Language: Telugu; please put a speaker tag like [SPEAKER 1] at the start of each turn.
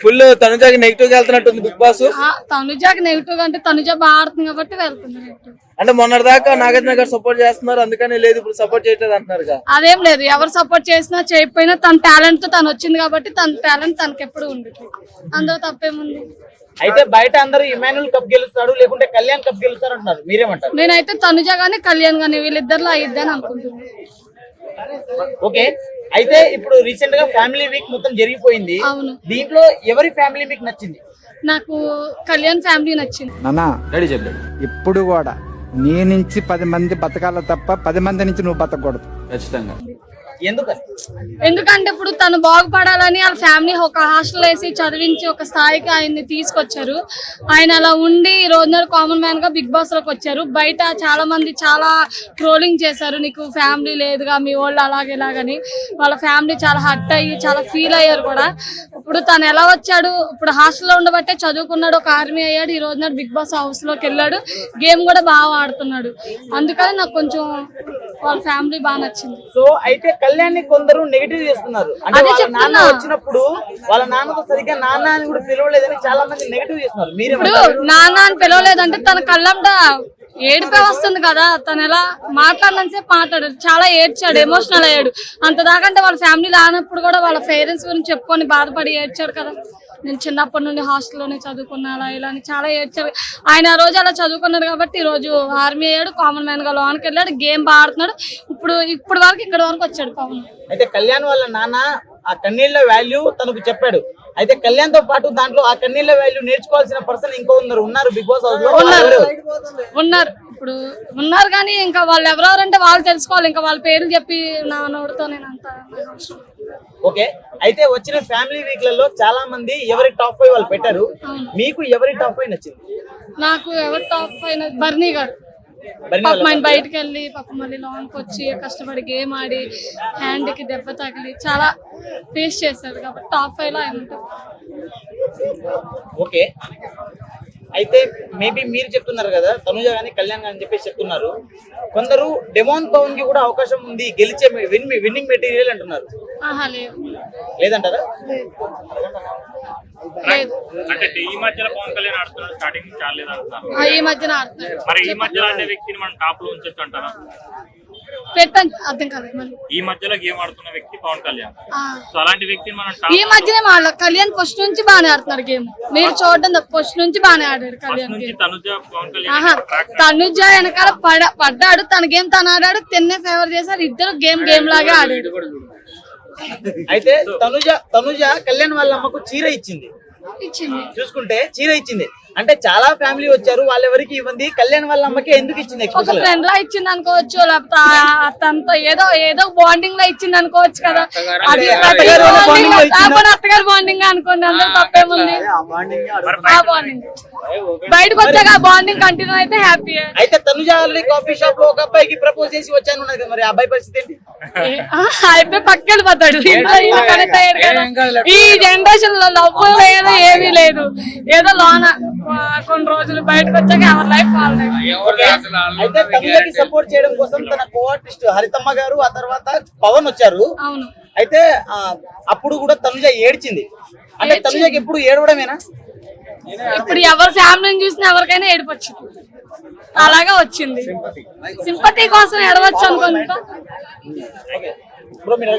[SPEAKER 1] ఫుల్ తనుజాకి నెగిటివ్ గా వెళ్తున్నట్టుంది బిగ్ బాస్.
[SPEAKER 2] తనుజాకి నెగిటివ్ అంటే తనుజ బాగా ఆడుతుంది కాబట్టి వెళ్తుంది నెగిటివ్.
[SPEAKER 1] అంటే మొన్నటిదాకా నాగార్జున గారు సపోర్ట్ చేస్తున్నారు అందుకని లేదు ఇప్పుడు సపోర్ట్ చేయట్లేదు అంటున్నారు.
[SPEAKER 2] అదేం లేదు, ఎవరు సపోర్ట్ చేసినా చేయకపోయినా తన టాలెంట్ తో తను వచ్చింది కాబట్టి తన టాలెంట్ తనకి ఎప్పుడు ఉంటుంది, అందులో తప్పేముంది.
[SPEAKER 3] అయితే బయట అందరూ ఇమాన్యుల్ కప్ గెలుస్తాడు లేకుంటే కళ్యాణ్ కప్ గెలుస్తాడు అంటున్నారు, మీరేమంటారు?
[SPEAKER 2] నేనైతే తనుజ గానీ కళ్యాణ్ గానీ వీళ్ళిద్దరిలో అయిద్దని అనుకుంటున్నాను.
[SPEAKER 3] ఓకే, అయితే ఇప్పుడు రీసెంట్ గా ఫ్యామిలీ వీక్ మొత్తం జరిగిపోయింది.
[SPEAKER 2] అవును,
[SPEAKER 3] దీంట్లో ఎవరి ఫ్యామిలీ మీకు నచ్చింది?
[SPEAKER 2] నాకు కళ్యాణ్ ఫ్యామిలీ నచ్చింది.
[SPEAKER 4] నానా ఇప్పుడు కూడా నీ నుంచి 10 మంది బతకాల తప్ప 10 మంది నుంచి నువ్వు బతకూడదు ఖచ్చితంగా.
[SPEAKER 2] ఎందుకంటే ఇప్పుడు తను బాగుపడాలని వాళ్ళ ఫ్యామిలీ ఒక హాస్టల్ వేసి చదివించి ఒక స్థాయికి ఆయన్ని తీసుకొచ్చారు. ఆయన అలా ఉండి ఈ రోజు కామన్ మ్యాన్ గా బిగ్ బాస్ లోకి వచ్చారు. బయట చాలా మంది చాలా ట్రోలింగ్ చేశారు, నీకు ఫ్యామిలీ లేదుగా మీ వాళ్ళు అలాగే ఇలాగని. వాళ్ళ ఫ్యామిలీ చాలా హర్ట్ అయ్యి చాలా ఫీల్ అయ్యారు కూడా. ఇప్పుడు తను ఎలా వచ్చాడు, ఇప్పుడు హాస్టల్లో ఉండబట్టే చదువుకున్నాడు, ఒక ఆర్మీ అయ్యాడు, ఈ రోజు బిగ్ బాస్ హౌస్ లోకి వెళ్ళాడు, గేమ్ కూడా బాగా ఆడుతున్నాడు. అందుకని నాకు కొంచెం వాళ్ళ ఫ్యామిలీ బాగా నచ్చింది.
[SPEAKER 3] సో అయితే కళ్యాణ్ ని కొందరు నెగిటివ్ చేస్తున్నారు, అంటే వాళ్ళ నాన్న వచ్చినప్పుడు వాళ్ళ నాన్నతో సరిగ్గా నాన్న అని కూడా పిలవలేదని చాలా మంది నెగిటివ్ చేస్తున్నారు.
[SPEAKER 2] ఇప్పుడు నాన్న అని పిలవలేదంటే తన కళ్ళంట ఏడిపే వస్తుంది కదా, తను ఎలా మాట్లాడినంతసేపు మాట్లాడాడు, చాలా ఏడ్చాడు, ఎమోషనల్ అయ్యాడు. అంత దాకంటే వాళ్ళ ఫ్యామిలీ రానప్పుడు కూడా వాళ్ళ పేరెంట్స్ గురించి చెప్పుకొని బాధపడి ఏడ్చాడు కదా. నేను చిన్నప్పటి నుండి హాస్టల్లోనే చదువుకున్నా అలా ఇలా అని చాలా ఏడ్చాడు. ఆయన ఆ రోజు అలా చదువుకున్నాడు కాబట్టి ఈ రోజు ఆర్మీ అయ్యాడు, కామన్ మ్యాన్ గా లోనికి వెళ్ళాడు, గేమ్ బాగా ఆడుతున్నాడు. ఇప్పుడు వరకు ఇక్కడ వరకు వచ్చాడు పవన్.
[SPEAKER 3] అయితే కళ్యాణ్ వాళ్ళ నాన్న ఆ కన్నీళ్ళ వాల్యూ తనకు చెప్పాడు. అయితే కళ్యాణ్ తో పాటు దాంట్లో ఆ కన్నీళ్ళ వాల్యూ నేర్చుకోవాల్సిన పర్సన్ ఇంకో ఉన్నారు బిగ్ బాస్ హౌస్ లో
[SPEAKER 2] ఉన్నారు. ఇప్పుడు ఉన్నారు కానీ ఇంకా వాళ్ళు ఎవరెవరంటే వాళ్ళు తెలుసుకోవాలి. ఇంకా వాళ్ళ పేర్లు చెప్పి నా నోటితో నేను అంత.
[SPEAKER 3] ఓకే, అయితే వచ్చిన ఫ్యామిలీ వీక్ లలో చాలా మంది ఎవరి టాప్ 5 వాళ్ళు పెట్టారు. మీకు ఎవరి టాప్ 5 నచ్చింది?
[SPEAKER 2] నాకు ఎవరి టాప్ 5 బర్నీ గారు. ఆయన బయటకు వెళ్ళి పాపం మళ్ళీ లోన్కి వచ్చి కష్టపడి గేమ్ ఆడి హ్యాండ్ కి దెబ్బ తగిలి చాలా ఫేస్ చేశారు కాబట్టి టాప్ 5 లో ఆయన ఉంటారు.
[SPEAKER 3] ఓకే, అయితే మేబీ మీరు చెప్తున్నారు కదా తనుజ గానీ కళ్యాణ్ అని చెప్పేసి చెప్తున్నారు. కొందరు డెమోన్ పవన్ కి కూడా అవకాశం ఉంది, గెలిచే విన్నింగ్ మెటీరియల్ అంటున్నారు. లేదంటారా?
[SPEAKER 5] అంటే ఈ మధ్యలో పవన్ కళ్యాణ్ ఆడుతున్నాడు, స్టార్టింగ్ చాలా లేదు అంటున్నారు.
[SPEAKER 2] ఈ మధ్యన ఆడుతున్నాడు.
[SPEAKER 5] మరి ఈ మధ్యలో అనే వ్యక్తిని మనం టాప్ లో ఉంచొచ్చు అంటారా?
[SPEAKER 2] పెట్టండి, అర్థం కాదు.
[SPEAKER 5] ఈ మధ్యలో గేమ్ ఆడుతున్న వ్యక్తి పవన్ కళ్యాణ్, సో అలాంటి వ్యక్తిని మనం
[SPEAKER 2] ఈ మధ్యనే కళ్యాణ్ ఫస్ట్ నుంచి బాగానే ఆడుతున్నారు గేమ్. మీరు చూడండి, ఫస్ట్ నుంచి బాగానే ఆడాడు కళ్యాణ్.
[SPEAKER 5] తనుజ పవన్ కళ్యాణ్
[SPEAKER 2] తనుజ వెనకాల పడ్డాడు, తన గేమ్ తను ఆడాడు, తిన్నే ఫేవర్ చేశారు, ఇద్దరు గేమ్ లాగా ఆడాడు.
[SPEAKER 3] అయితే తనుజ కళ్యాణ్ వాళ్ళ అమ్మకు చీర ఇచ్చింది, చూసుకుంటే చీర ఇచ్చింది. అంటే చాలా ఫ్యామిలీ వచ్చారు, వాళ్ళెవరికి ఇవ్వండి, కళ్యాణ్ వాళ్ళ అమ్మకి ఎందుకు ఇచ్చింది?
[SPEAKER 2] ఒక ఫ్రెండ్ లా ఇచ్చింది అనుకోవచ్చు, లేకపోతే తనతో ఏదో బాండింగ్ లా ఇచ్చింది అనుకోవచ్చు కదా. అది అత్తగారు బాండింగ్ అనుకోండి, అందరూ తప్పేముంది. ఆ బాండింగ్ బయటకు వచ్చాక ఆ బాండింగ్ కంటిన్యూ అయితే హ్యాపీ.
[SPEAKER 3] అయితే తనుజ కాఫీ షాప్ లో ఒక అబ్బాయికి ప్రపోజ్ చేసి వచ్చాను కదా, మరి అబ్బాయి పరిస్థితి ఏంటి?
[SPEAKER 2] అయిపోయి పక్కన పోతాడు. ఈ జనరేషన్ లో లవ్ లేదు, ఏమీ లేదు, ఏదో లోన కొన్ని రోజులు బయటకు వచ్చాక ఎవరి లైఫ్
[SPEAKER 3] అయితే తనుజకి సపోర్ట్ చేయడం కోసం తన కో-ఆర్టిస్ట్ హరితమ్మ గారు, ఆ తర్వాత పవన్ వచ్చారు.
[SPEAKER 2] అవును.
[SPEAKER 3] అయితే అప్పుడు కూడా తనుజ ఏడ్చింది. అంటే తనుజకి ఎప్పుడు ఏడవడమేనా?
[SPEAKER 2] ఇప్పుడు ఎవరి ఫ్యామిలీని చూసినా ఎవరికైనా ఏడిపొచ్చింది, అలాగా వచ్చింది. సింపతి కోసం ఏడవచ్చు అనుకుంటా.